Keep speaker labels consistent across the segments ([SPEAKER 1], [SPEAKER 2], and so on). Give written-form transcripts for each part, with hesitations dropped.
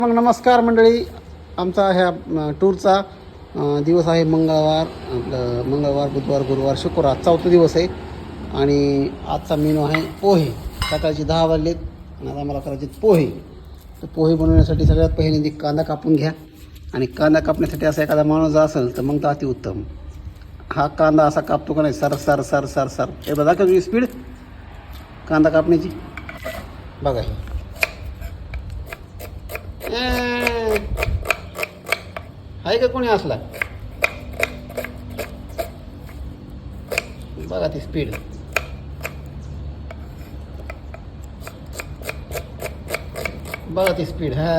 [SPEAKER 1] मग नमस्कार मंडळी. आमचा ह्या टूरचा दिवस आहे मंगळवार. आपलं मंगळवार, बुधवार, गुरुवार, शुक्रवार चौथा दिवस आहे. आणि आजचा मेनू आहे पोहे. सकाळचे 10 वाजलेत आणि आता मला करायचे पोहे. तर पोहे बनवण्यासाठी सगळ्यात पहिल्यांदा कांदा कापून घ्या. आणि कांदा कापण्यासाठी असा एखादा माणूस जर असेल तर मग तर अतिउत्तम. हा कांदा असा कापतो का नाही, sir sir sir sir sir. एकदा दाखव स्पीड कांदा कापण्याची. बघा आहे का कोणी असला. बघा ती स्पीड. बघा ती स्पीड. हा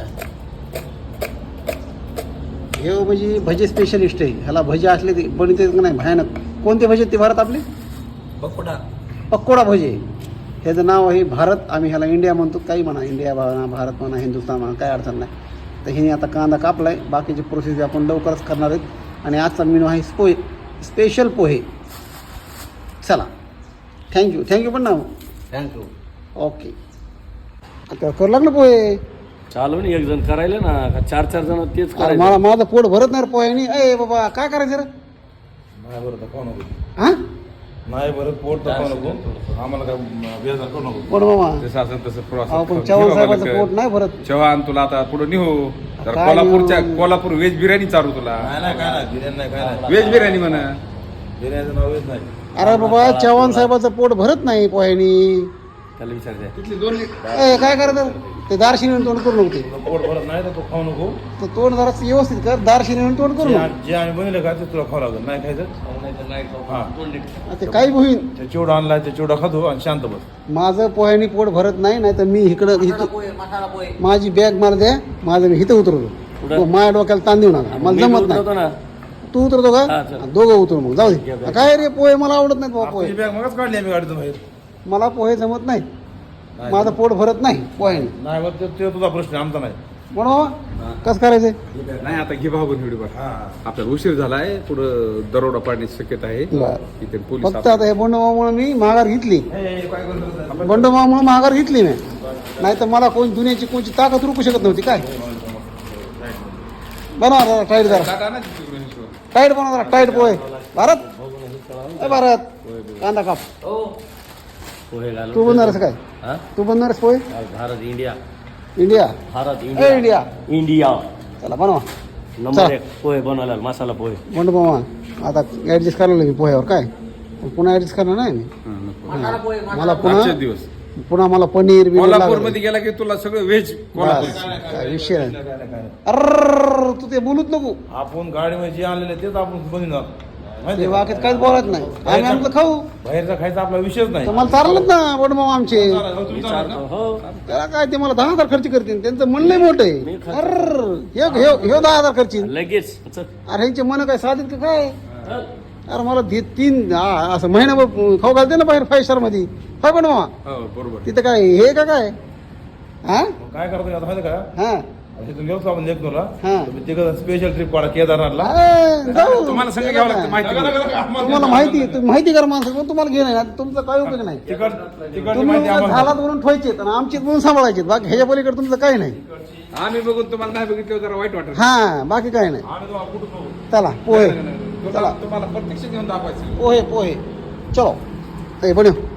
[SPEAKER 1] हे म्हणजे भजे स्पेशलिस्ट आहे. ह्याला भजे असले ते बनते का नाही भयानक. कोणते भजे ते भारत आपले पकोडा भजे. ह्याचं नाव आहे भारत. आम्ही ह्याला इंडिया म्हणतो. काही म्हणा, इंडिया म्हणा, भारत म्हणा, हिंदुस्तान म्हणा, काही अडचण नाही. तर हिने आता कांदा कापला आहे. बाकीची प्रोसेस आपण लवकरच करणार आहेत. आणि आजचा मेनू आहे पोहे, स्पेशल पोहे. चला, थँक्यू पण ना.
[SPEAKER 2] थँक्यू.
[SPEAKER 1] ओके. आता करू लागलं पोहे.
[SPEAKER 2] चालू नाही एक जण करायला ना, 4-4 जण तेच
[SPEAKER 1] अरे मला माझं पोट भरत नाही रे पोह्यानी. ए बाबा काय करायचं रे.
[SPEAKER 3] नाही बरं तर खाऊ नको.
[SPEAKER 1] हां
[SPEAKER 3] नाही बरं पोट तर खाऊ नको. आम्हाला काय बेजार करू नको.
[SPEAKER 1] पोट मामा
[SPEAKER 4] जसं असेल तसं
[SPEAKER 1] आपण चव्हाण साहेबाचं पोट नाही भरत.
[SPEAKER 4] चव्हाण तुला आता पुढे निहो तर
[SPEAKER 1] काय
[SPEAKER 4] कोल्हापूर व्हेज बिर्याणी चालू तुला.
[SPEAKER 3] नाही काय नाही बिर्याणी नाही काय नाही.
[SPEAKER 4] व्हेज बिर्याणी म्हणा.
[SPEAKER 3] बिर्याणीचं नाव येत नाही.
[SPEAKER 1] अरे बाबा चव्हाण साहेबाचं पोट भरत नाही पोह्यानी.
[SPEAKER 4] त्याला विचारते.
[SPEAKER 1] ए काय करायचं ते दारशिनी तोंड करू नको. ते
[SPEAKER 3] पोट भरत नाही तर तू खाऊ नको.
[SPEAKER 1] तर तोंड जरा व्यवस्थित कर. दारशिनी तोंड करू नको.
[SPEAKER 3] जे आम्ही बनवलं का ते तुला खावं लागेल. नाही खायचं हा
[SPEAKER 1] ते काही होईन.
[SPEAKER 3] ते चिवडा आणलाय ते चिवडा खातो आणि शांत बस.
[SPEAKER 1] माझं पोह्यानी पोट भरत नाही. नाही तर मी इकडं माझी बॅग मला द्या. माझं मी इथं उतरतो. माझ्या डोक्याला ताण देऊ नका. मला जमत नाही. तू उतरतो का. दोघं उतरू मग. जाऊ दे. काय रे पोहे मला आवडत नाहीत बाबा. पोहे
[SPEAKER 3] बॅग मगच काढली आम्ही गाडीतून बाहेर.
[SPEAKER 1] मला पोहे जमत नाही. माझं पोट भरत नाही पोह्याने.
[SPEAKER 3] नाही बघ ते तुझा प्रश्न आमचा नाही.
[SPEAKER 1] म्हणून कसं करायचंय.
[SPEAKER 4] नाही आता घे भाऊ व्हिडिओ बघ.
[SPEAKER 3] हा
[SPEAKER 4] आपल्याला उशीर झालाय. पुढं दरोडा पाडण्याची शक्यता आहे.
[SPEAKER 1] बरं.
[SPEAKER 4] इथे पोलीस
[SPEAKER 1] फक्त आता हे बंडोबामुळे मी माघार घेतली.
[SPEAKER 3] काय करतो
[SPEAKER 1] बंडोबामुळे माघार घेतली मी. नाही तर मला कोण दुनियाची कोणची ताकद रोखू शकत नव्हती. काय बनवा जरा टाईट. जरा टाईट बनवा. जरा टाईट पोहे. भारत भारत कांदा काप.
[SPEAKER 2] पोहे घालून
[SPEAKER 1] तू बनणारस काय.
[SPEAKER 2] हा?
[SPEAKER 1] तू बनणारस पोहे.
[SPEAKER 2] भारत इंडिया.
[SPEAKER 1] इंडिया.
[SPEAKER 2] भारत
[SPEAKER 1] ए
[SPEAKER 2] इंडिया.
[SPEAKER 1] इंडिया.
[SPEAKER 2] इंडिया
[SPEAKER 1] चला बनवा.
[SPEAKER 2] नंबर 1 पोहे बनवला. मसाला पोहे.
[SPEAKER 1] बंडू मामा आता ऍडजस्ट करायला मी पोह्यावर. काय पुन्हा ऍडजस्ट करणार नाही मी. मला
[SPEAKER 4] आजचे दिवस
[SPEAKER 1] पुन्हा मला पनीर
[SPEAKER 4] कोल्हापूर मध्ये गेला की तुला सगळं व्हेज कोल्हापूर.
[SPEAKER 1] काय विषय नाही. अर तू ते बोलूच नको.
[SPEAKER 3] आपण गाडीमध्ये जे आणलेलं तेच आपण बनवणार.
[SPEAKER 1] ते
[SPEAKER 3] माहिती
[SPEAKER 1] वाक्यात काहीच बोलत नाही. आम्ही आमचं खाऊ.
[SPEAKER 3] बाहेरचा खायचा आपला विषयच नाही.
[SPEAKER 1] तर मला चाललंच ना बंडू मामा आमचे.
[SPEAKER 2] हो.
[SPEAKER 1] त्याला काय ते मला 10,000 खर्च करतील. त्यांचं मन लय मोठं आहे. अर ह्यो 10,000 खर्चीन.
[SPEAKER 2] लगेच चल.
[SPEAKER 1] अरे ह्यांचे मन काय साधित का काय. अरे मला 3 असं महिनाभर खाऊ घालते ना बाहेर 5 स्टार मध्ये. काय पण मामा
[SPEAKER 4] हो बरोबर.
[SPEAKER 1] तिथं काय हे का काय. हा
[SPEAKER 3] काय करतो आता माहिती का
[SPEAKER 1] हा
[SPEAKER 3] तिथून घेऊ आपण लेखनूरला.
[SPEAKER 1] हा.
[SPEAKER 3] तिकडं स्पेशल ट्रिप काढा केदारनाथला.
[SPEAKER 1] जाऊ.
[SPEAKER 4] तुम्हाला संग घ्यावं लागतं माहिती.
[SPEAKER 1] तुम्हाला माहिती करा माणसं पण तुम्हाला घेणं आहे. तुमचा काय उपयोग नाही.
[SPEAKER 3] तिकडची
[SPEAKER 1] तुम्ही
[SPEAKER 3] माहिती आम्हाला.
[SPEAKER 1] झालात म्हणून ठेवायचे आणि आमची म्हणून सांभाळायचे. बाकी ह्याच्या पलीकडे तुमचं काही नाही.
[SPEAKER 4] आम्ही बघून तुम्हाला नाही बघितलं जरा वाईट वाटत.
[SPEAKER 1] हा बाकी काही नाही.
[SPEAKER 3] आम्ही तुम्हाला कुठं पाहू.
[SPEAKER 1] चला पोहे. चला
[SPEAKER 4] तुम्हाला प्रत्यक्ष घेऊन दाखवायचं.
[SPEAKER 1] पोहे चलो. बनव.